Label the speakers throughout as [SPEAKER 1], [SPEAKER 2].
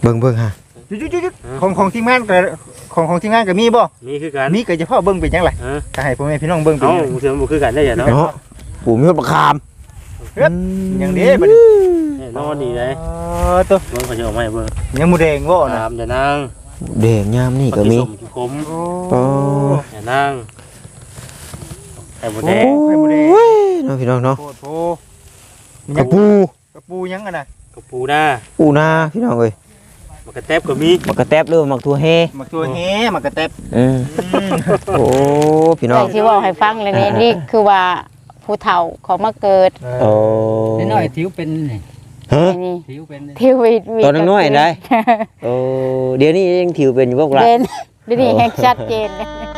[SPEAKER 1] เบิ่งฮะ
[SPEAKER 2] จุ๊ดของทีมงานกับของทีมงานกับมีบ่
[SPEAKER 3] มีคือกัน
[SPEAKER 2] มีก็เฉพาะเบิ่งเป็นจังได๋ถ้าให้พ่อแม่พี่น้องเบิ่งเป็น
[SPEAKER 3] เถื่อนบ่คือกันได้อย่าเนาะ
[SPEAKER 1] ปู่มีบักขาม
[SPEAKER 2] อย่างนี้บัดนี้
[SPEAKER 3] นอนดีเลย
[SPEAKER 2] ตัว
[SPEAKER 3] เบิ่งเขาจะออกมาให้เบิ่ง
[SPEAKER 2] ยังหมูแดงบ่นะ
[SPEAKER 3] อย่านาง
[SPEAKER 1] แดงยามนี่ก็มี
[SPEAKER 3] ขม
[SPEAKER 1] โอ้
[SPEAKER 3] อย่านางไข่หมูแดง
[SPEAKER 1] น้องพี่น้องเนาะ
[SPEAKER 2] กระปูยังอ่ะนะ
[SPEAKER 3] กระปูหน้า
[SPEAKER 1] พี่น้องเอ้ย
[SPEAKER 3] มักกระแตบก็มี
[SPEAKER 1] มักกระแตบหรือมักทั่วเฮ
[SPEAKER 2] มักกระแตบ
[SPEAKER 1] โอ้พี่น้อง
[SPEAKER 4] ที่ว่าให้ฟังเลยนี่คือว่าผู้เฒ่าของมาเกิด
[SPEAKER 1] โอ้
[SPEAKER 5] น้อยทิวเป็น
[SPEAKER 1] ฮะ
[SPEAKER 5] ทิวเป็น
[SPEAKER 1] ตอนน้อยได้โอ้เดี๋ยวนี้ยังทิวเป็นอยู่พวกเรา
[SPEAKER 4] เป็นเดี๋ยวนี้แฮกชัดเจน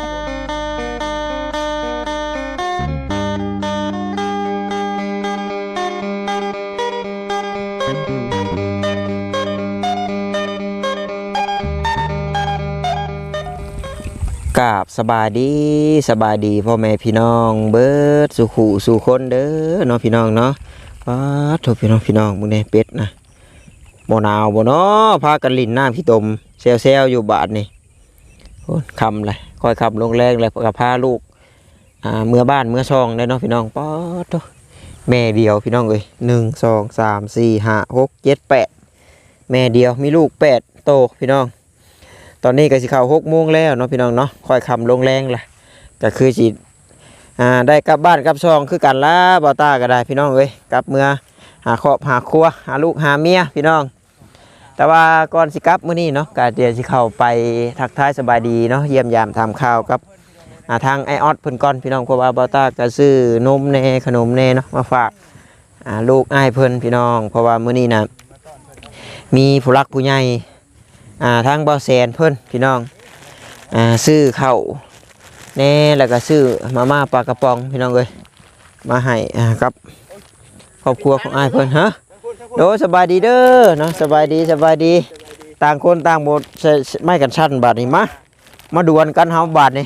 [SPEAKER 1] กราบสบายดีพ่อแม่พี่น้องเบิดสู่ขู่สู่คนเด้อเนาะพี่น้องเนาะป้าทุกพี่น้องมึงเนี่ยเป็ดนะบ่หนาวบ่เนาะพากันลิ้นน้ำขี้ตมเซลอยู่บาทนี่โอ้คำเลยคอยคำลงแรงเลยกับพาลูกเมื่อบ้านเมื่อช่องได้เนาะพี่น้องป้าทุกแม่เดียวพี่น้องเอ้ย1 2 3 4 5 6 7 8แม่เดียวมีลูก8โตพี่น้องตอนนี้ก็สิเข้า6 โมงแล้วเนาะพี่น้องเนาะค่อยคำลงแรงละก็คือสิได้กลับบ้านกลับช่องคือกันละบ่ตาก็ได้พี่น้องเอ้ยกลับเมื่อหาครอบหาครัวหาลูกหาเมียพี่น้องแต่ว่าก่อนสิกลับมื้อนี้เนาะก็เดี๋ยวสิเข้าไปทักทายสบายดีเนาะเยี่ยมยามทำข่าวกับทางไอออดเพิ่นก่อนพี่น้องเพราะว่าบ่ตาก็ซื้อนมแน่ขนมแน่เนาะมาฝากลูกอ้ายเพิ่นพี่น้องเพราะว่ามื้อนี้น่ะมีผู้รักผู้ใหญ่ทางบ่อแสนเพิ่นพี่น้องซื้อข้าวแน่แล้วก็ซื้อมาม่าปลากระป๋องพี่น้องเอ้ยมาให้กับครอบครัวของอ้ายเพิ่นฮะโดสบายดีเด้อเนาะสบายดีต่างคนต่างหมดไม่กันชั้นบาทนี่มาดวลกันเฮาบาทนี่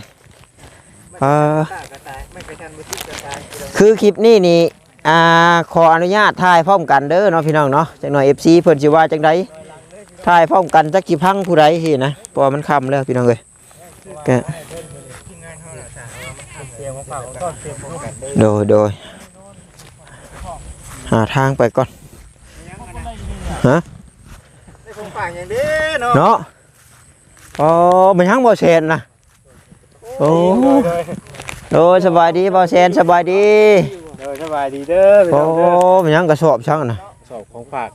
[SPEAKER 1] คือคลิปนี้นี่ขออนุญาตถ่ายพร้อมกันเด้อเนาะพี่น้องเนาะจังหน่อย FC เพิ่นสิว่าจังได๋ถ่ายพร้อมกันจักกี่พังผู้ใดสินะเพราะมันค่ำแล้วพี่น้องเอ้ยก็โดยหาทางไปก่อนฮะเนาะอ๋อมันยังบ่เซนนะโอ้โดยสบายดีบ่เซนสบายดี
[SPEAKER 2] สบายดีเด้อ
[SPEAKER 1] โอ้มันยังกระสอบช่างนะ
[SPEAKER 2] สอบของฝาก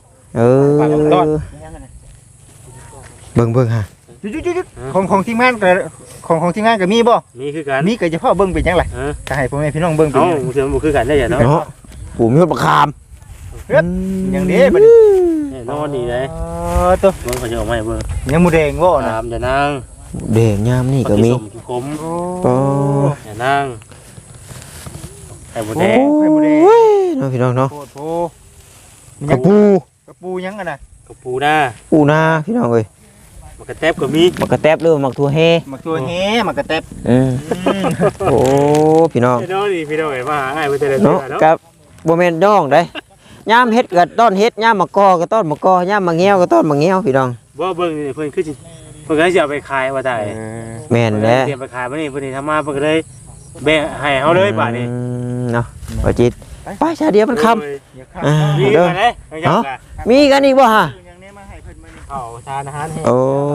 [SPEAKER 1] เบิ่งฮะ
[SPEAKER 2] จุ๊ดของทีมงานกับของทีมงานกับมีบ่
[SPEAKER 3] มีคือกัน
[SPEAKER 2] มีก็เฉพาะเบิ่งเป็นจังได๋ถ้าให้พ่อแม่พี่น้องเบิ่งเป็น
[SPEAKER 3] เถื่อนบ่คือกันได้อย่าเนาะ
[SPEAKER 1] ปู่มีบักขาม
[SPEAKER 2] อย่างนี้บัดนี้
[SPEAKER 3] นอนดีเลย
[SPEAKER 2] ตัว
[SPEAKER 3] เบิ่งเขาจะออกมาให้เบิ่ง
[SPEAKER 2] ยังหมูแดงบ่นะ
[SPEAKER 3] อย่านาง
[SPEAKER 1] แดงยามนี่ก็มี
[SPEAKER 3] ขมอย่านางไข่หมูแดง
[SPEAKER 1] เนาะพี่น้องเนาะกระ
[SPEAKER 2] ปูยังอ่ะนะ
[SPEAKER 3] กระปูหน้า
[SPEAKER 1] พี่น้องเอ้ย
[SPEAKER 3] มักกระแตบก็มี
[SPEAKER 1] มักกระแตบหรือมักทั่วเฮ
[SPEAKER 2] มักกระแตบ
[SPEAKER 1] โอ้พี่น้อง
[SPEAKER 3] น้องนี่พี่น้องเอ้ยมาหาอ้ายเพิ่นจะได้
[SPEAKER 1] เนาะกับบ่แม่นน้องเด้ยามเฮ็ดก็ต้นเฮ็ดยามมะกอก็ต้นมะกอยามมะเงี้ยวก็ต้นมะเงี้ยวพี่น้อง
[SPEAKER 3] บ่เบิ่งนี่เพิ่นคือสิเพิ่นก็สิเอาไปขายว่าได้
[SPEAKER 1] แม่นแหละ
[SPEAKER 3] เตรียมไปขายมื้อนี้เพิ่นทำมาเพิ่นก็เลยแบ่ให้เฮาเลยบาดนี้
[SPEAKER 1] เนาะบ่จิตไปซะเดี๋ยวมันค่ำ
[SPEAKER 3] มีกันเด้
[SPEAKER 1] มีกันอีกบ่ฮะ
[SPEAKER 3] เอาทานอาหารให้
[SPEAKER 1] โอ้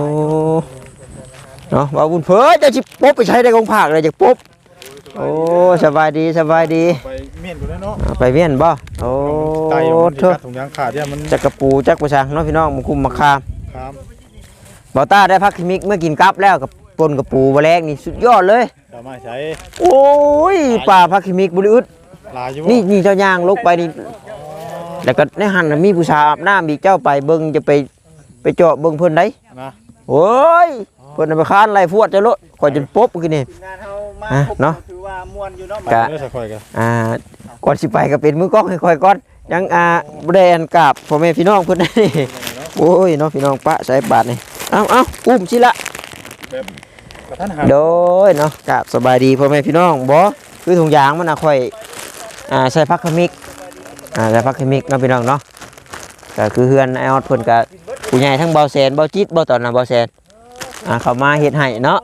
[SPEAKER 1] เนาะว่าบุญเพิ่นจะสิปุ๊บไปใช้ได้ของภาคเลยจักปุ๊บโอ้สบายดี
[SPEAKER 2] ไปเมียนกูแล้วเนาะ
[SPEAKER 1] ไปเมียนบ่โอ้
[SPEAKER 2] เถอะถุงยางขาดเนี่ยมัน
[SPEAKER 1] จักกระปูจักประชังเนาะพี่น้องมันคุมมะขามบ่ต้าได้พักคิมิกเมื่อกินกับแล้วกับปนกระปูบ่แลกนี่สุดยอดเลย
[SPEAKER 2] สามารถใช้
[SPEAKER 1] โอ้ยป่าพักคิมิกบ่ได้อึดนี่เจ้าย่างลกไปนี่แล้วก็ในหันมีผู้ชายอาบน้ำอีกเจ้าไปเบิ่งจะไปเจาะเบิ่งเพิ่นได้โอ้ยเพิ่นไปค้านไล่ฟวดจะลดข่อยจนป๊บคือนี่เนาะ
[SPEAKER 2] ถือว่าม่วนอยู่เนาะ
[SPEAKER 1] ก่อนสิไปก็เป็นมือกล้องให้ค่อยก่อนยังบ่ได้อันกราบพ่อแม่พี่น้องเพิ่นนี่โอ้ยเนาะพี่น้องปะใส่บาทนี่เอ้าอุ้มสิละโดยเนาะกราบสบายดีพ่อแม่พี่น้องบ่คือถุงยางมันค่อยใส่พักขมิกใส่พักขมิกเนาะพี่น้องเนาะก็คือเฮือนไอออดเพิ่นก็ผู้ใหญ่ทั้งเบาแสนเบาจิตเบาตอนน่ะเบาแสนเขามาเฮ็ดให้เนาะ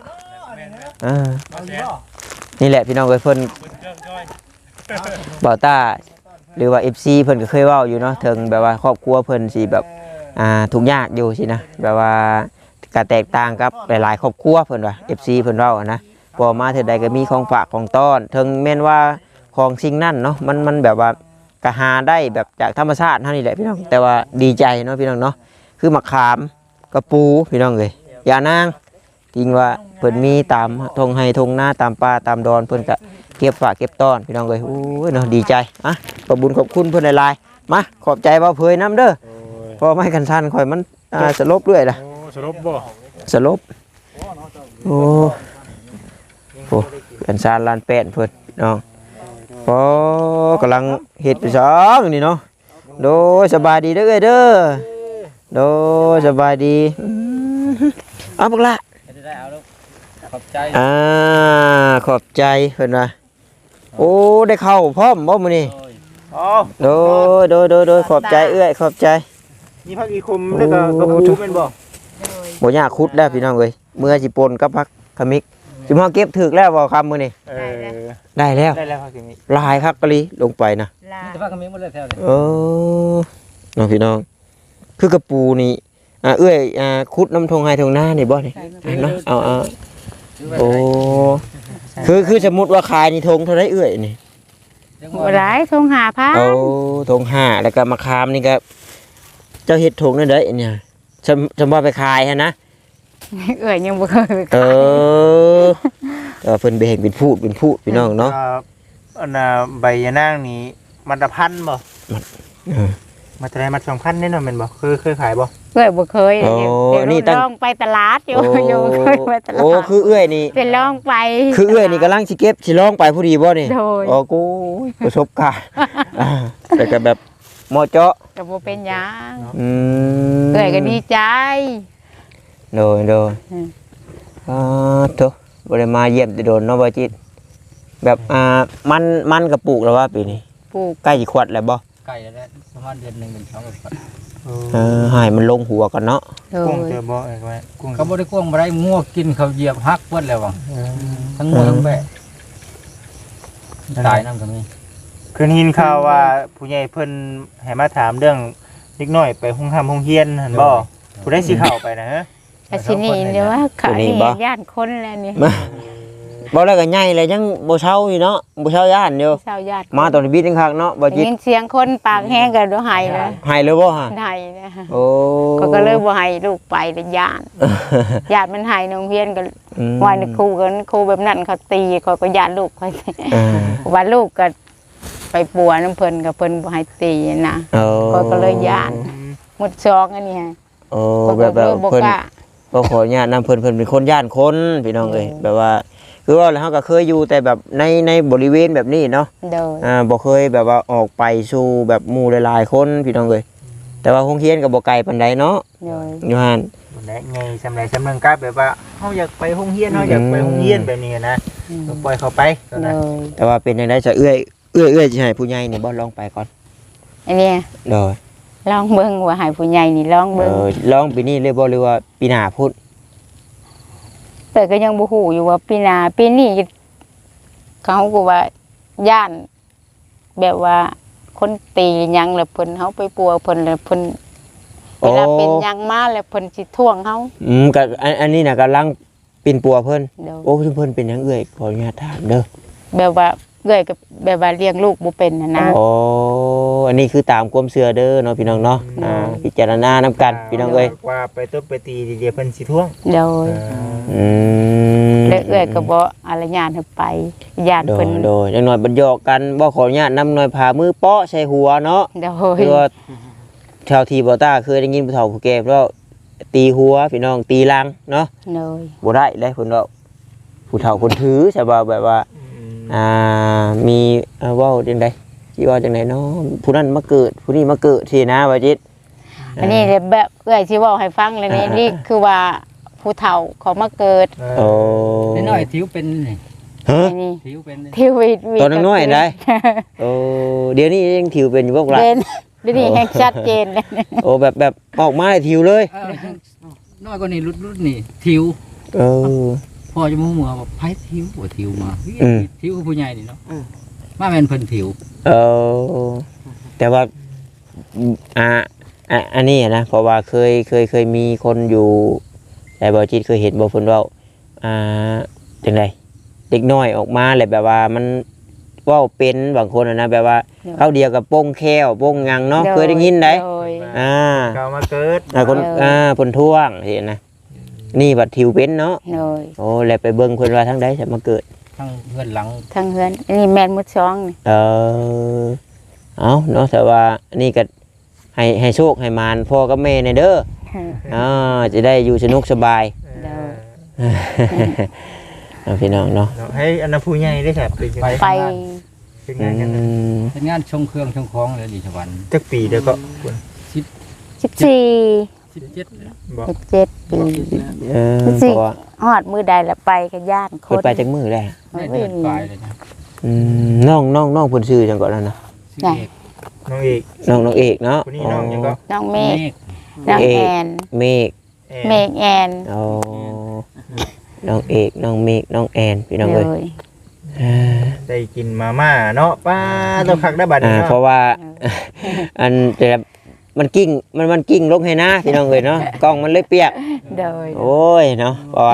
[SPEAKER 1] นี่แหละพี่น้องเอ้ยเพิ่นเบาต้าหรือว่า FC เพิ่นก็เคยเว้าอยู่เนาะถึงแบบว่าครอบครัวเพิ่นสิแบบทุกข์ยากอยู่สินะแบบว่าก็แตกต่างกับหลายๆครอบครัวเพิ่นว่า FC เพิ่นเว้านะพอมาเทื่อใดก็มีของฝากของต้อนถึงแม่นว่าของสิ่งนั้นเนาะมันแบบว่าก็หาได้แบบจากธรรมชาติเท่านี้แหละพี่น้องแต่ว่าดีใจเนาะพี่น้องเนาะคือมะขามกระปูพี่น้องเอ้ยยานางจริงว่าเพิ่นมีตามทงไห้ทงนาตามป่าตามดอนเพิ่นก็เก็บฝากเก็บต้อนพี่น้องเอ้ยโอ้ยเนาะดีใจขอบบุญขอบคุณเพิ่นหลายๆมาขอบใจบ่าวเผยน้ำเด้อพอไม่กันทันข่อยมันสลบด้วยล่ะ
[SPEAKER 3] สรุปบ่
[SPEAKER 1] สลบโอ้โหกันซานลานแป้นเพิ่นน้องพอกำลังเฮ็ดไปสองนี่เนาะโดยสบายดีเด้อเอ้ยเด้อโดยสบายดีเอาบักละ
[SPEAKER 3] ได้เอาลูกขอบใจ
[SPEAKER 1] ขอบใจเพิ่นว่าโอ้ได้เข้าพร้อมบ่มื้อนี้โดยขอบใจเอ้ยขอบใจ
[SPEAKER 2] มีพักอีคุมแล้วก็กระปูเป็นบ่
[SPEAKER 1] บ่ยากขุดแล้วพี่น้องเอ้ยเมื่อสิปนกับพักขมิกสิมาเก็บถึกแล้วบ่คำมื้อนี้ได้แล้ว
[SPEAKER 2] ได้แล้วพักขมิก
[SPEAKER 1] ลายคักกะลีลงไปนะ
[SPEAKER 3] จะพักกันมีหมดเลยแถวนี้
[SPEAKER 1] น้องพี่น้องคือกระปูนี่เอ้ยขุดน้ำทงไห้ทงหน้านี่บ่นี่เนาะเอาโอ้คือสมมุติว่าขายนี่ทงเท่าไรเอ้ยนี่
[SPEAKER 4] บ่ได้ทงหาพา
[SPEAKER 1] เอาทง5แล้วก็มะขามนี่ก็เจ้าเฮ็ดทงนั่นเด้อเนี่ยจำว่าไปขายฮะนะ
[SPEAKER 4] เอ้ยยังบ่เคยไป
[SPEAKER 1] เพิ่นไปเห็นเป็นพูดพี่น้องเนาะ
[SPEAKER 2] อันน่ะใบยะนางนี่มัดละพันบ่มัดเท่าไหร่มัด2,000แน่นอนแม่นบ่เคยขายบ่
[SPEAKER 4] เอ้ยบ่เคยเดี๋ยวลองไปตลาดอยู่เคยไปตลาด
[SPEAKER 1] โอ้คือเอื้อยนี่
[SPEAKER 4] เป็นลองไป
[SPEAKER 1] คือเอื้อยนี่กำลังสิเก็บสิลองไปผู้ดีบ่นี่
[SPEAKER 4] โดย
[SPEAKER 1] โอ้กูประสบการณ์แต่ก็แบบเหมาะเจาะ
[SPEAKER 4] ก็บ่เป็นหยัง
[SPEAKER 1] ม
[SPEAKER 4] เอ้ยก็ดีใจ
[SPEAKER 1] โดยโถบ่ได้มาเยี่ยมแต่โดนเนาะบ่จิตแบบมันก็ปลูกแล้วว่าปีนี้
[SPEAKER 4] ปลูก
[SPEAKER 1] ใกล้สิขวดแล้วบ่
[SPEAKER 3] ไก่แล้วประมาณเดือน1 2ก็
[SPEAKER 1] ให้มันลงหัวก่อนเนาะ
[SPEAKER 4] โด
[SPEAKER 2] กุ้ง
[SPEAKER 4] ย
[SPEAKER 2] เจอบ่ไอ้ไว้กุ้ง
[SPEAKER 3] เขาบ่ได้กวงบ่ได้งัวกินเขาเหยียบฮักเบิดแล้วว่ะทั้งงัวทั้งแบะตายนำก็มี
[SPEAKER 2] คืนหินข่าวว่าผู้ใหญ่เพิ่นให้มาถามเรื่องเล็กน้อยไปโรงเรียนหั่นบ่ผู้ได้สิเข้าไปนะฮะ
[SPEAKER 4] อาชินี่เดี๋ยวว่าเขานี่ย่านคนแล้วนี่
[SPEAKER 1] บ่แล้วก็ใหญ่เลยยังบ่เช้าอยู่เนาะบ่เช้าย่านอยู่
[SPEAKER 4] ชาวญาติ
[SPEAKER 1] มาตอนนี้บิดจังคักเนาะบ่จิต
[SPEAKER 4] ยินเสียงคนปากแห้งก็บ่ให้เลย
[SPEAKER 1] ให้เลยบ่ฮะ
[SPEAKER 4] ให้นะ
[SPEAKER 1] โอ้
[SPEAKER 4] ก็เลยบ่ให้ลูกไปเลยย่านญาติมันให้โรงเรียนก็ว่านี่ครูกันครูแบบนั้นเขาตีเขาก็ญาติลูกเขาว่าลูกก็ไปปัวน้ำเพิ่นก็เพิ่นบ่ให้ตีนะก็เลยย่านหมดซองอันนี้ฮะ
[SPEAKER 1] โอ้แบบเพิ่นก็ขออนุญาตนำเพิ่นเป็นคนย่านคนพี่น้องเอ้ยแบบว่าคือว่าแล้วเฮาก็เคยอยู่แต่แบบในบริเวณแบบนี้เนาะ
[SPEAKER 4] โดย
[SPEAKER 1] บ่เคยแบบว่าออกไปสู่แบบหมู่หลายๆคนพี่น้องเอ้ยแต่ว่าโรงเรียนก็บ่ไกลปานใดเนาะ
[SPEAKER 4] โดย
[SPEAKER 1] อยู่หั่น
[SPEAKER 2] บ่ได้ไงสำไรสำนึงกับแบบว่าเฮาอยากไปโรงเรียนเฮาอยากไปโรงเรียนแบบนี้นะก็ปล่อยเขาไป
[SPEAKER 4] โดย
[SPEAKER 1] แต่ว่าเป็นจังได๋จะเอื้อยสิให้ผู้ใหญ่นี่บ่ลองไปก่อน
[SPEAKER 4] อันนี้
[SPEAKER 1] โดย
[SPEAKER 4] ลองเบิ่งว่าให้ผู้ใหญ่นี่ลองเบิ่ง
[SPEAKER 1] ลองปีนี้เลยบ่หรือว่าปีหน้าพุ่น
[SPEAKER 4] แต่ก็ยังบ่ฮู้อยู่ว่าปีหน้าปีนี้เขาก็ว่าย่านแบบว่าคนตีหยังแล้วเพิ่นเฮาไปปัวเพิ่นแล้วเพิ่นเวลาเป็นหยังมาแล้วเพิ่นสิท่วงเฮา
[SPEAKER 1] ก็อันนี้น่ะกำลังปิ่นปัวเพิ่น
[SPEAKER 4] เดี๋ยว
[SPEAKER 1] โอ้เพิ่นเป็นหยังเอื้อยขออนุญาตถามเด้อ
[SPEAKER 4] แบบว่าเอื้อยก็แบบว่าเลี้ยงลูกบ่เป็นนะ
[SPEAKER 1] อ๋ออันนี้คือตามความเชื่อเด้อเนาะพี่น้องเนาะพิจารณานำกันพี่น้องเอ้ย
[SPEAKER 2] ว่าไปตบไปตีเดี๋ยวเพิ่นสิท่วง
[SPEAKER 4] เดี๋ยว
[SPEAKER 1] อืม
[SPEAKER 4] แล้วเอื้อยก็บ่อนุญาตให้ไปญาติ
[SPEAKER 1] โด
[SPEAKER 4] เพิ่
[SPEAKER 1] ย
[SPEAKER 4] น
[SPEAKER 1] โดยจังหน่อยบรรยอกกันบ่ขออนุญาตนำหน่อยพามือเปาะใส่หัวเนาะ
[SPEAKER 4] เดี๋ยว
[SPEAKER 1] คือว่าชาวทีบ่ต้าเคยได้ยินผู้เฒ่าผู้แก่ว่าตีหัวพี่น้องตีลังเนาะ
[SPEAKER 4] เดี๋ยว
[SPEAKER 1] บ่ได้เลยเพิ่นว่าผู้เฒ่าคนถือใช่บ่แบบว่ามีเว้าจังได๋สิว่าจังไดเนาะผู้นั้นมาเกิดผู้นี้มาเกิดสินะว่าจิต
[SPEAKER 4] อันนี้แบบเอื้อยสิเว้าให้ฟังเลยนี่คือว่าผู้เฒ่าเขามาเกิด
[SPEAKER 1] โอ้
[SPEAKER 3] น้อยทิวเป็นนี่
[SPEAKER 1] ฮะ
[SPEAKER 4] นี่
[SPEAKER 3] ทิวเป็น
[SPEAKER 4] ทีวี
[SPEAKER 1] ตอนน้อยๆได้ โอ้เดี๋ยวนี้ยังถิวเป็นอยู่พวกล่ะ
[SPEAKER 4] เป็นเดี๋ยวนี้แฮกชัดเจนเลย
[SPEAKER 1] โอ้แบบออกมาให้ทิวเลย
[SPEAKER 5] น้อยกว่านี้รุ่นนี่ทิว
[SPEAKER 1] เออ
[SPEAKER 5] พ่อจะมุ่งมือบอกไผทิวบ่ทิวมา
[SPEAKER 1] อืม
[SPEAKER 5] ทิวคือผู้ใหญ่นี่เนาะมาแม่นเพิ่นทิว
[SPEAKER 1] เออแต่ว่าอันนี้นะเพราะว่าเคยมีคนอยู่แต่บ่จิตเคยเห็นบ่เพิ่นเว้าจังไดเด็กน้อยออกมาแล้วแบบว่ามันเว้าเป็นบางคนนะแบบว่าเขาเดียวกับโป้งแค้วโป้งงังเนาะเคยได้ยินได้
[SPEAKER 4] โดย
[SPEAKER 2] เก่ามาเกิด
[SPEAKER 1] คนเพิ่นท่วงเห็นนะนี่บัดทิวเป็นเนาะ
[SPEAKER 4] โดย
[SPEAKER 1] โอ้แล้วไปเบิ่งเพิ่นว่าทางใดจะมาเกิด
[SPEAKER 5] ทั้งเพื่อนหลัง
[SPEAKER 4] ทั้งเฮือนอันนี้แม่นมุดช่องนี่
[SPEAKER 1] เอาเนาะแต่ว่านี่ก็ให้โชคให้มารพ่อกับแม่ในเด้อจะได้อยู่สนุกสบาย
[SPEAKER 4] โดย
[SPEAKER 1] เอาพี่น้องเนาะ
[SPEAKER 2] ให้อันนั้นผู้ใหญ่ได้ครับเป็น
[SPEAKER 4] ไป
[SPEAKER 2] เป็นงานกัน
[SPEAKER 5] เป็นงานชงเครื่องชงของเลยดิชวัน
[SPEAKER 2] จักปีเดียวก็
[SPEAKER 4] 14
[SPEAKER 5] 17
[SPEAKER 2] บอก
[SPEAKER 4] 17ปี
[SPEAKER 1] เพราะว่า
[SPEAKER 4] ฮอดมือใดละไปกับญาติค
[SPEAKER 1] เพิ่น
[SPEAKER 4] น
[SPEAKER 1] ไปจากมือได้
[SPEAKER 5] ได้เดือนปลายเลยนะ
[SPEAKER 1] น้องเพิ่นชื่อจังก่อนแล้วนะ
[SPEAKER 5] สิเอก
[SPEAKER 2] น้องเอก
[SPEAKER 1] น้องเอกเนาะ
[SPEAKER 2] คนนี้น้องยังก็
[SPEAKER 4] น้องเมฆ
[SPEAKER 5] เมฆ
[SPEAKER 4] น้องแอน
[SPEAKER 1] เมฆ
[SPEAKER 4] เมฆแอน
[SPEAKER 1] เอาน้องเอกน้องเมฆน้องแอนพี่น้อง
[SPEAKER 4] โด
[SPEAKER 1] เอ้ย
[SPEAKER 4] ย
[SPEAKER 2] ได้กินมาม่าเนาะป้าต้องคักได้บัดนี้
[SPEAKER 1] เพราะว่า อันแต่มันกิ้งมันกิ้งลงให้นะพี่น้องเอ้ยเนาะกล้องมันเลยเปียก
[SPEAKER 4] โดย
[SPEAKER 1] โอ้ยเนาะเพราะว่าก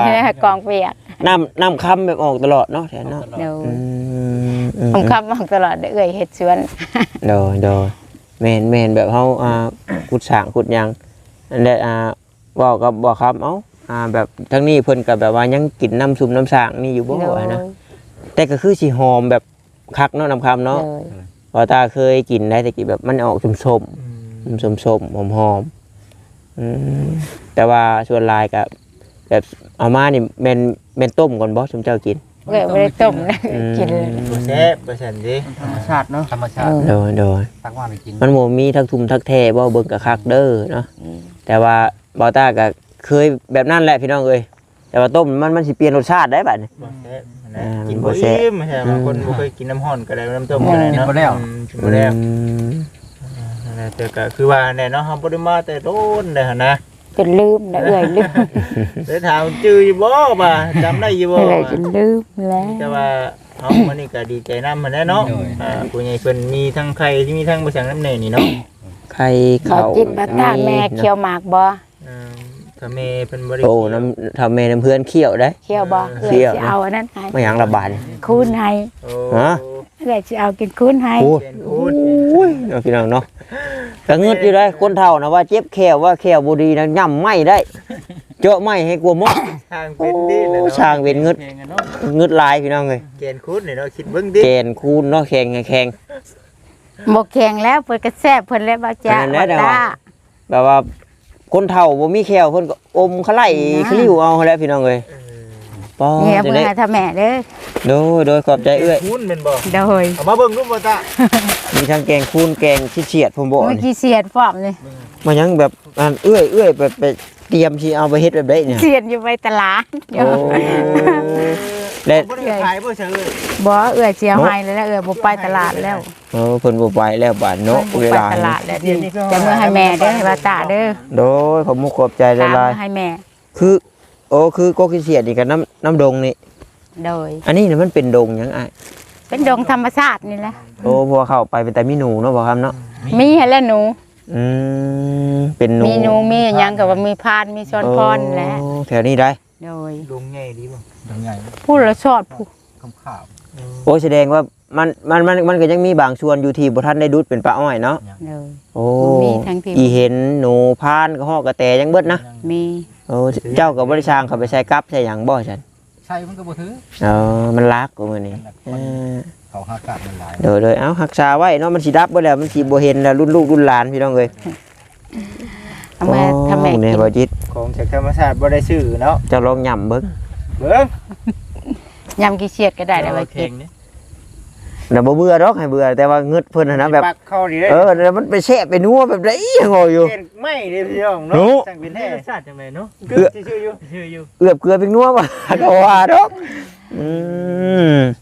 [SPEAKER 4] องเปียก
[SPEAKER 1] น้ำคำแบบออกตลอดเนาะแทนเนาะ
[SPEAKER 4] โดย
[SPEAKER 1] อืม
[SPEAKER 4] ผมคำบอกตลอดเอื้อยเฮ็ดสวน
[SPEAKER 1] โดยแม่นแบบเฮาขุดสร้างขุดหยังอันนี้เว้ากับบ่ครับเอ้าแบบทั้งนี้เพิ่นก็แบบว่ายังกินน้ำซุปน้ำสร้างนี่อยู่บ่
[SPEAKER 4] โดย
[SPEAKER 1] นะแต่ก็คือสิหอมแบบคักเนาะน้ำคำเนาะ
[SPEAKER 4] โดย
[SPEAKER 1] พอตาเคยกินได้แต่กี้แบบมันออกส้มๆส้มๆหอมๆแต่ว่าส่วนลายก็แบบเอามานี่แม่นต้มก่อนบ่ซุมเจ้ากิน
[SPEAKER 4] เอื้อยบ่ได้ต้มนะกินเลย
[SPEAKER 2] บ่แซ่บบ่ซั่นดิ
[SPEAKER 5] ธรรมชาติเนาะธรรมชาติ
[SPEAKER 1] โดย
[SPEAKER 5] ตักมาไปกิน
[SPEAKER 1] มันบ่มีทักทุมทักแท้บ่เบิ่งกับคักเด้อเนาะแต่ว่าบอต้าก็เคยแบบนั้นแหละพี่น้องเอ้ยแต่ว่าต้มมันสิเปลี่ยนรสชาติได้บัดนี้
[SPEAKER 2] บ่แซ่บนะกินบ่อิ่มใช่บางคนบ่เคยกินน้ำร้อนก็ได้น้ำต้มก็ได้
[SPEAKER 5] กิน
[SPEAKER 2] เนาะ
[SPEAKER 5] บ่แล้ว
[SPEAKER 2] กินบ่แล้วแต่ก็คือว่าแน่เนาะเฮาบ่ได้มาแต่โดนได้หั่นนะ
[SPEAKER 4] จนลืมนะเอื้อยลืม
[SPEAKER 2] ได้ถามจื้ออยู่บ่บ่าจำได้อยู่บ่
[SPEAKER 4] เอื้อยจนลืมแล้ว
[SPEAKER 2] แต่ว่าเอามื้อนี้ก็ดีใจนำหั่นแหละเนาะผู้ใหญ่เพิ่นมีทั้งไข่ที่มีทั้งบ่สั่งน้ำแน่นี่เนาะ
[SPEAKER 1] ไข่
[SPEAKER 4] เขา
[SPEAKER 1] เขา
[SPEAKER 4] จิตบัตตาแม่เคี้ยวหมากบ่
[SPEAKER 2] ถ้าแม่เพิ่นบ่ได้
[SPEAKER 1] โอ้น้ำทำแม่น้ำเพื่อนเคี่ยวได้
[SPEAKER 4] เคี้ยวบ่
[SPEAKER 1] เคี้
[SPEAKER 4] เอื้อย
[SPEAKER 1] ยว
[SPEAKER 4] สิเอาอันนั้นให้
[SPEAKER 1] ไม่หยังระบาดนี่
[SPEAKER 4] คูณให้
[SPEAKER 2] โอ้
[SPEAKER 1] ฮะ
[SPEAKER 4] เอื้อยสิเอากินคูณให้
[SPEAKER 1] โอ้
[SPEAKER 2] เป็นพูด
[SPEAKER 1] ยเนาะพี่น้องเนาะก็งึดอยู่ได้คนเฒ่านะว่าเจ็บแขวว่าแขวบ่ดีนะย่ำไหม้ได้เจาะไหม้ให้กลัวหมด
[SPEAKER 2] ทางเป็นดิเลย
[SPEAKER 1] โอ้
[SPEAKER 2] เนาะ
[SPEAKER 1] ช่างเป็นงึดงึดลายพี่น้องเอ้ย
[SPEAKER 2] เกณฑ์คูดนี่เนาะคิดเบิ่งดิ
[SPEAKER 1] แกนคูณเนาะแข่ง
[SPEAKER 4] บ่แข็งแล้วเพิ่นก็แซ่บเพิ่นแล้วบ่จ้า
[SPEAKER 1] อันนั้นแหละ
[SPEAKER 4] บัตตา
[SPEAKER 1] แบบว่าคนเฒ่าบ่มีแขวเพิ่นก็อมขะไหล่ขลิ้วเอาแหล้วพี่น้องเอ้ยป้อ
[SPEAKER 4] เนี่ย
[SPEAKER 1] จะ
[SPEAKER 4] เพิ่น
[SPEAKER 1] ได้
[SPEAKER 4] ให้ถ้าแม่เด้อ
[SPEAKER 1] โดยขอบใจเอ้ย
[SPEAKER 2] คูดเป็นบ่
[SPEAKER 4] โดย
[SPEAKER 2] เอามาเบิ่งรูปบ่ตา
[SPEAKER 1] มีทั้งแกงคูณแกงเฉียดผมบอก
[SPEAKER 4] เมื่อ
[SPEAKER 1] นี่
[SPEAKER 4] กี้เสียดพร้อมเลย
[SPEAKER 1] มันยังแบบเอื้อยไปเตรียมสิเอาไปเฮ็ดแบบได้เนี่ย
[SPEAKER 4] เสียดอยู่ไปตลาด
[SPEAKER 1] โอ้และ
[SPEAKER 2] บ่ได้ขายบ่เฉย
[SPEAKER 4] บ่เอื้อยเสียหายแล้วเอื้อยบ่ไปตลาดแล้ว
[SPEAKER 1] เพิ่นบ่ไปแล้วบาดเนาะ
[SPEAKER 4] บ่
[SPEAKER 1] เว
[SPEAKER 4] ไป
[SPEAKER 1] ลา
[SPEAKER 4] ตลาดแล้วจะมื้อให้แม่เด้อให้ว่าตาเด้อ
[SPEAKER 1] โดยขอบมุกขอบใจห
[SPEAKER 4] ตาม
[SPEAKER 1] ลาย
[SPEAKER 4] มื้อให้แม่
[SPEAKER 1] ๆคือคือโกกิเฉียดนี่กับน้ำดงนี่
[SPEAKER 4] โดย
[SPEAKER 1] อันนี้เนี่ยมันเป็นดงหยังอ้าย
[SPEAKER 4] เป็นดงธรรมชาตินี่แหละ
[SPEAKER 1] โอ้พอเข้าไปเป็นแต่มีหนูเนาะบ่ครับเนาะ
[SPEAKER 4] มีให้แล้วหนู
[SPEAKER 1] เป็นหนู
[SPEAKER 4] มีหนูมีหยังก็ว่ามีพานมีช้อนพรแหละ
[SPEAKER 1] โอ้แถวนี้ได้
[SPEAKER 4] โดย
[SPEAKER 2] ๆลุงใหญ่ดีบ่
[SPEAKER 5] ยังไง
[SPEAKER 4] พูดแล้วชอดผู้
[SPEAKER 5] คำข่าว
[SPEAKER 1] โอ้แสดงว่ามันก็ยังมีบางส่วนอยู่ที่บ่ทันได้ดุดเป็นปลาอ้อยเนาะ
[SPEAKER 4] โดย
[SPEAKER 1] โอ้
[SPEAKER 4] มีทั้งที่
[SPEAKER 1] อีเห็นหนูพานก็ฮอกกระแตยังเบิดนะ
[SPEAKER 4] มี
[SPEAKER 1] โอ้เจ้ากับบริชางเขาไปใช้กับใช่หยังบ่ฉัน
[SPEAKER 5] ใช่มันก็บ่ถือ
[SPEAKER 1] มันรักกว่ามื้อนี้
[SPEAKER 5] เขาหากาดมันหลาย
[SPEAKER 1] เดี๋ยวเอารักษาไว้เนาะมันสิดับบ่แล้วมันสิบ่เห็นแล้วรุ่นลูกรุ่นหลานพี่น้องเอ้ย
[SPEAKER 4] เอามาทำแม่
[SPEAKER 1] โอ้
[SPEAKER 4] กิ
[SPEAKER 1] เนี่ย
[SPEAKER 4] น
[SPEAKER 1] บ่จิต
[SPEAKER 2] ของจากธรรมชาติบ่ได้ซื้อเนาะ
[SPEAKER 1] เจะลองย่ำเบิ่ง
[SPEAKER 2] เบิ่ง
[SPEAKER 4] ยำกี่เฉียดก็ได้แล้วไว้กิน
[SPEAKER 1] แล้วบ่เบื่อดอกให้เบื่อแต่ว่าเงึดเพิ่นน่ะนะแบบ
[SPEAKER 2] ปักเข้าดีเด้
[SPEAKER 1] แล้วมันไปแช่ไปนัวแบบไดยังงออยู่
[SPEAKER 2] เกณฑ์ไม่เด้พี่น้อง
[SPEAKER 1] หนู
[SPEAKER 2] เนาะสั่งเป็นแท้ชาติจังไดเนาะคือชื่ออยู่
[SPEAKER 1] เอือบเกลือเป็นนัวบ่ ก็ว่าดอก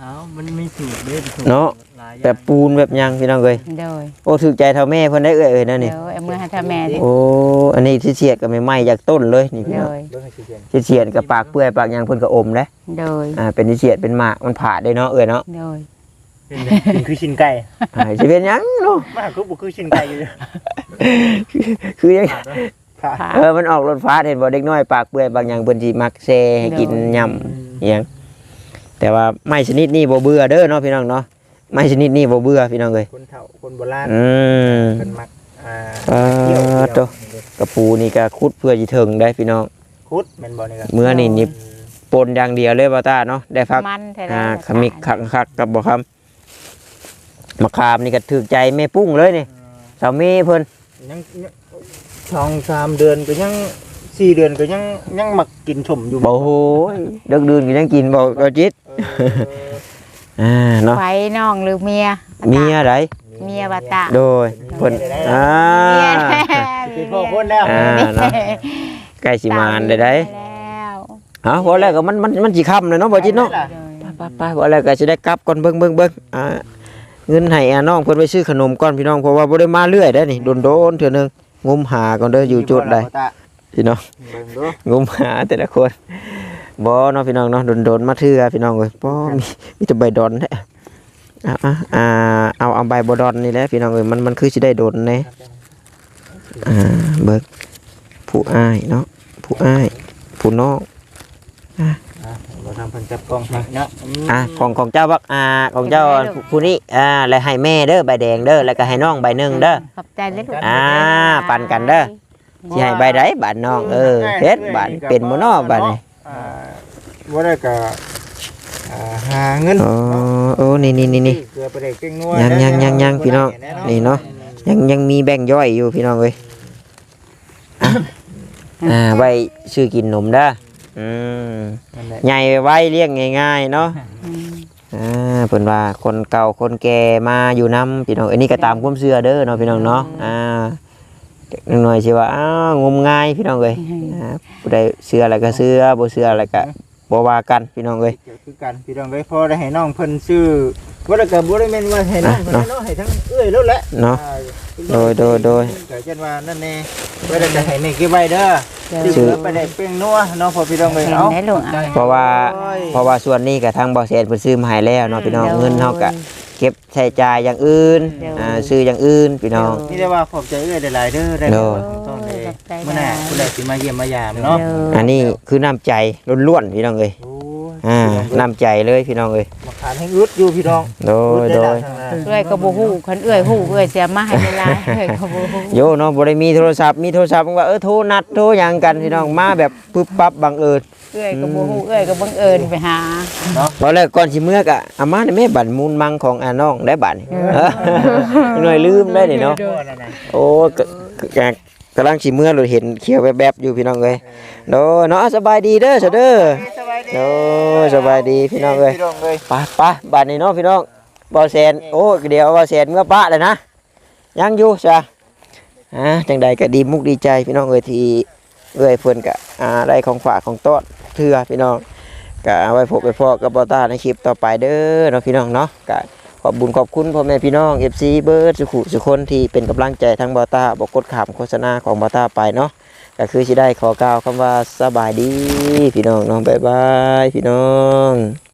[SPEAKER 3] อ้าวมันมีสูตรเด้อสูตร
[SPEAKER 1] เนาะ
[SPEAKER 3] หลายอย่ง
[SPEAKER 1] แบบปูนแบบหยังพี่น้องเอ้ย
[SPEAKER 4] โดย
[SPEAKER 1] โอ้ถูกใจเท่าแม่เพิ่นได้เอ้ยนั่นนี่
[SPEAKER 4] เดี๋ยวเอามือให้ท่าแม่ดิ
[SPEAKER 1] โอ้อันนี้ที่เสียดก็ไม่ไหม้จากต้นเลยนี่พี่
[SPEAKER 4] โด
[SPEAKER 1] น้อง
[SPEAKER 4] ย
[SPEAKER 2] เบิ่งให้สิเขียน
[SPEAKER 1] ที่เสียดกับปากเปื่อยปากหยังเพิ่นก็อมเด้
[SPEAKER 4] โดย
[SPEAKER 1] เป็นที่เสียดเป็นหมากมันผ่าได้เนาะเอ้ยเนาะ
[SPEAKER 4] โดย
[SPEAKER 2] เป็นคือชิ้นไก่
[SPEAKER 1] สิเป็นหยังเนาะ
[SPEAKER 2] มาคือบ่คือชิ้นไก่อยู่
[SPEAKER 1] คือยัง
[SPEAKER 2] ค่ะ
[SPEAKER 1] มันออกรถฟ้าเห็นบ่เด็กน้อยปากเปื่อยบางอย่างเพิ่นสิมักแซ่ให้กินยำอิหยังแต่ว่าไม้ชนิดนี้บ่เบื่อเด้อเนาะพี่น้องเนาะไม้ชนิดนี้บ่เบื่อพี่น้องเอ้ย
[SPEAKER 2] คนเฒ่าคนโบราณ
[SPEAKER 1] อืม
[SPEAKER 2] เพิ่นมัก
[SPEAKER 1] โ
[SPEAKER 2] เกี่ยว
[SPEAKER 1] ตกระปูนี่ก็ขุดเพื่อสิถึงได้พี่น้อง
[SPEAKER 2] คุดแม่นบ่นี่ครับ
[SPEAKER 1] เมื่อนี่นี่ปนอย่างเดียวเลยบ่ตาเนาะได้พัก
[SPEAKER 4] มันแท้
[SPEAKER 1] ขมิกคักๆกับบ่คำมะขามนี่ก็ถูกใจแม่ปุ้งเลยนี่สามีเพิ่น
[SPEAKER 2] ยังช่อง3 เดือนก็ยัง4 เดือนก็ยังมักกินชมอยู่
[SPEAKER 1] บ่โหยดึกดื่นก็ยังกินบ่ก็จิต เนาะ
[SPEAKER 4] ไฟน้องหรือเมีย
[SPEAKER 1] เมียได
[SPEAKER 4] เมียบาตะ
[SPEAKER 1] โดยเพิ่น
[SPEAKER 4] เมีย
[SPEAKER 2] เป็นพ่อคนแล้ว
[SPEAKER 1] เนาะใกล้สิมานได้
[SPEAKER 4] แล้ว
[SPEAKER 1] บ่แล้วก็มันสิค่ำเลยเนาะบ่จิตเนาะไปบ่แล้วก็สิได้กลับก่อนเบิ่งเงินให้น้องเพิ่นไปซื้อขนมก่อนพี่น้องเพราะว่าบ่ได้มาเรื่อยได้นี่โดนๆเทื่อนึงงมหาก่อนเด้ออยู่จุดใดพี่น้อง
[SPEAKER 2] เบิ่งดู
[SPEAKER 1] งมหาแต่ละคนบ่เนาะพี่น้องเนาะโดนๆมาเทื่อพี่น้องเอ้ยบ่มีแต่ใบดอนแท้เอาใบบ่ดอนนี่แหละพี่น้องเอ้ยมันคือสิได้โดนแน่เบิกผู้อ้ายเนาะผู้อ้ายผู้น้อง
[SPEAKER 2] เราทำเพิ่นจับกล้องให้เนาะ
[SPEAKER 1] ของเจ้าบักของเจ้าผู้นี้แล้วให้แม่เด้อใบแดงเด้อแล้วก็ให้น้องใบหนึงเด้อ
[SPEAKER 4] ขอบใจเลยลูก
[SPEAKER 1] ปั่นกันเด้อสิให้ใบใดบาดน้องเฮ็ดบาดเป็นบ่น้อบาดนี่
[SPEAKER 2] บ่ได้ก็หาเงิน
[SPEAKER 1] โอ้นี่
[SPEAKER 2] เกลือไปได้เก่งนัว
[SPEAKER 1] ยังพี่น้องนี่เนาะยังมีแบ่งย่อยอยู่พี่น้องเอ้ยไว้ซื้อกินนมเด้อใหญ่ไว้เลี้ยงง่ายๆเนาะเพิ่นว่าคนเก่าคนแก่มาอยู่นำพี่น้องอันนี้ก็ตามความเชื่อเด้อเนาะพี่น้องเนาะหน่อยสิว่างมงายพี่น้องเอ้ยผู้ใดเชื่ออะไรก็เชื่อบ่เชื่ออะไรก็บ่ว่ากันพี่น้องเอ้ย
[SPEAKER 2] คือกันพี่น้องเอ้ยพอได้ให้น้องเพิ่นซื้อบ่ได้ก็บ่ได้แม่นว่าให้น้องเพิ่นเนาะให้ทั้งเอ้ยแล้วแหละ
[SPEAKER 1] เนาะโดย
[SPEAKER 2] ก็เช่นว่านั่นแน่บ่ได้ก็ให้แม่เก็บไว้เด้อซื้อไปได้เป้งนัวเนาะพอพี่น้องเอ้ย
[SPEAKER 4] เห็น
[SPEAKER 2] เอา
[SPEAKER 4] ได้ลูก
[SPEAKER 1] เพราะว่าส่วนนี้ก็ทางบ่อแสนเพิ่นซื้อมาให้แล้วเนาะพี่น้องเงินเฮาก็เก็บใช้จ่ายอย่างอื่นซื้ออย่างอื่นพี่น้อง
[SPEAKER 2] นี่ได้ว่าขอบใจเอ้ยหลายๆเด้อได้ต้องได้มื้อหน้าผู้ใดสิมาเยี่ยมมายามเนาะ
[SPEAKER 1] อันนี้คือน้ำใจล้วนๆพี่น้องเอ้ย
[SPEAKER 2] โอ้ย
[SPEAKER 1] น้ำใจเลยพี่น้องเอ้ย
[SPEAKER 2] มาขานให้อึดอยู่พี่น้อง
[SPEAKER 1] โดย
[SPEAKER 4] เอื้อยก็บ่ฮู้คันเอื้อยฮู้เอื้อยเสียมาให้เวลาเอื้อยก็บ่ฮู้
[SPEAKER 1] โยเนาะบ่ได้มีโทรศัพท์ว่าโทรนัดโทรหยังกันพี่น้องมาแบบปึ๊บปั๊บบังเอิญ
[SPEAKER 4] เอื้อยก็บ่ฮู้เอื้อยก็บังเอิญไปหา
[SPEAKER 1] บ่แล้วก่อนสิเมื่อก็อามาแม่บัตรมูลมังของน้องได้บัตรหน่อยลืมได้นี่เนาะโอ้กำลังสิเมื่อเราเห็นเขียวแวบๆอยู่พี่น้องเอ้ยโดเนาะสบายดีเด้อเสเด้อโดสบายดีพี่น้องเอ้ยไปบัตรนี่เนาะพี่น้องบ่แสนโอ้เดี๋ยวบ่แสนเมื่อปะเลยนะยังอยู่จ้ะจังใดก็ดีมุกดีใจพี่น้องเอ้ยที่เอ้ยเพิ่นก็ได้ของฝากของต้อนเทื่อพี่น้องก็เอาไว้พบไปพอกับบ่ตาในคลิปต่อไปเด้อเนาะพี่น้องเนาะก็ขอบบุญขอบคุณพ่อแม่พี่น้อง FC เบิร์ดสุคนที่เป็นกำลังใจทั้งบ่ตาบ่กดข้ามโฆษณาของบ่ตาไปเนาะก็คือสิได้ขอกล่าวคำว่าสบายดีพี่น้องเนาะบ๊ายบายพี่น้อง